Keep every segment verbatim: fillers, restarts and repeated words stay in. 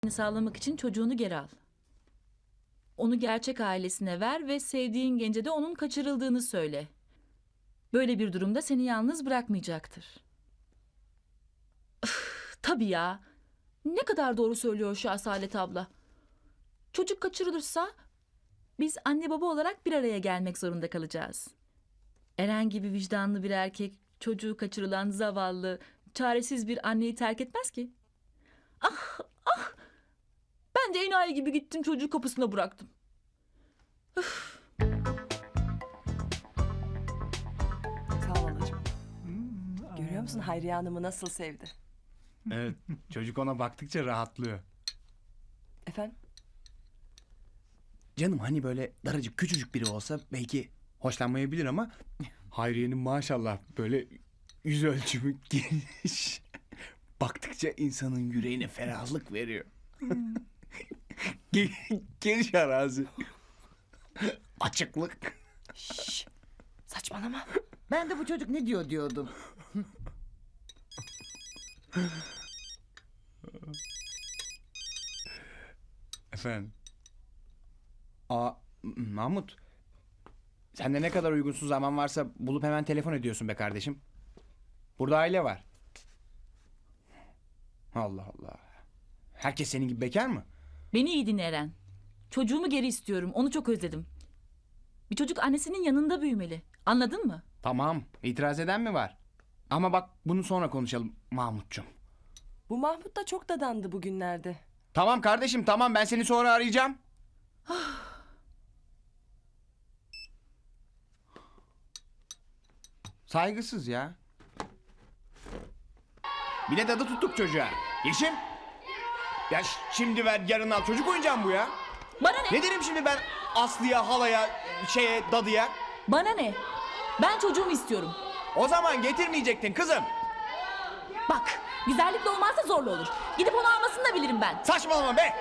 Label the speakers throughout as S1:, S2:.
S1: sağlamak için çocuğunu geri al. Onu gerçek ailesine ver ve sevdiğin gence de onun kaçırıldığını söyle. Böyle bir durumda seni yalnız bırakmayacaktır. Üf, tabii ya. Ne kadar doğru söylüyor şu Asalet abla. Çocuk kaçırılırsa biz anne baba olarak bir araya gelmek zorunda kalacağız. Eren gibi vicdanlı bir erkek çocuğu kaçırılan zavallı, çaresiz bir anneyi terk etmez ki. Ah ah! Ben de enayi gibi gittim çocuğu kapısına bıraktım. Üf.
S2: Sağ ol halacığım. Görüyor musun Hayriye Hanım'ı nasıl sevdi?
S3: Evet, çocuk ona baktıkça rahatlıyor.
S2: Efendim?
S3: Canım hani böyle daracık küçücük biri olsa belki hoşlanmayabilir ama Hayriye'nin maşallah böyle yüz ölçümü geniş. Baktıkça insanın yüreğine ferahlık veriyor. Ge- Geniş arazi. Açıklık.
S2: Şşş! Saçmalama.
S4: Ben de bu çocuk ne diyor diyordum.
S3: Efendim? Aa, Mahmut. Sende ne kadar uygunsuz zaman varsa bulup hemen telefon ediyorsun be kardeşim. Burada aile var. Allah Allah. Herkes senin gibi bekar mı?
S1: Beni iyi dinle Eren. Çocuğumu geri istiyorum. Onu çok özledim. Bir çocuk annesinin yanında büyümeli. Anladın mı?
S3: Tamam. İtiraz eden mi var? Ama bak bunu sonra konuşalım Mahmutcuğum.
S2: Bu Mahmut da çok dadandı bugünlerde.
S3: Tamam kardeşim tamam ben seni sonra arayacağım. Saygısız ya. Bir de dadı tuttuk çocuğa. Yeşim. Ya ş- şimdi ver yarın al çocuk oyuncağım bu ya.
S1: Bana ne?
S3: Ne derim şimdi ben Aslı'ya, halaya, şeye, dadıya?
S1: Bana ne? Ben çocuğumu istiyorum.
S3: O zaman getirmeyecektin kızım.
S1: Bak, güzellikle olmazsa zorla olur. Gidip onu almasını da bilirim ben.
S3: Saçmalama be.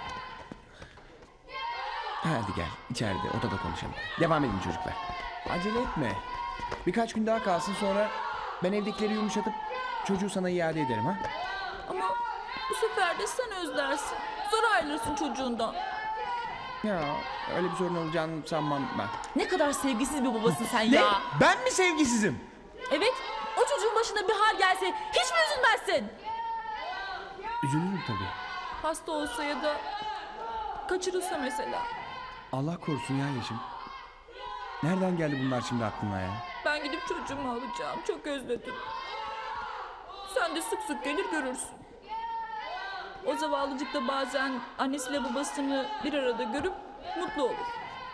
S3: Hadi gel içeride odada konuşalım. Devam edin çocuklar. Acele etme. Birkaç gün daha kalsın sonra ben evdekileri yumuşatıp çocuğu sana iade ederim ha.
S1: Ama bu sefer de sen özlersin. Zor ayrılırsın çocuğundan.
S3: Ya öyle bir sorun olacağını sanmam ben.
S1: Ne kadar sevgisiz bir babasın sen
S3: Ne?
S1: ya.
S3: Ben mi sevgisizim?
S1: Evet, o çocuğun başına bir hal gelse hiç mi üzülmezsin?
S3: Üzülürüm tabii.
S1: Hasta olsa ya da kaçırılsa mesela.
S3: Allah korusun ya Yeşim. Nereden geldi bunlar şimdi aklına ya?
S1: Ben gidip çocuğumu alacağım. Çok özledim. Sen de sık sık gelir görürsün. O zavallıcık da bazen annesiyle babasını bir arada görüp mutlu olur.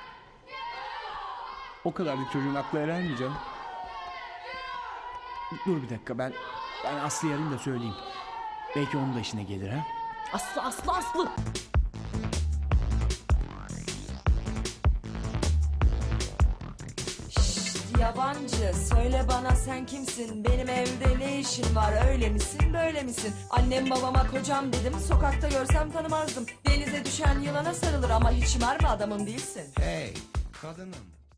S3: O kadarlık çocuğun aklı erer mi canım? Dur bir dakika ben ben Aslı'yı arayayım da söyleyeyim. Belki onun da işine gelir ha.
S1: Aslı aslı aslı.
S2: Yabancı söyle bana sen kimsin? Benim evde ne işin var? Öyle misin böyle misin? Annem babama kocam dedim. Sokakta görsem tanımazdım. Denize düşen yılana sarılır ama hiç mermi adamın değilsin.
S3: Hey kadınım.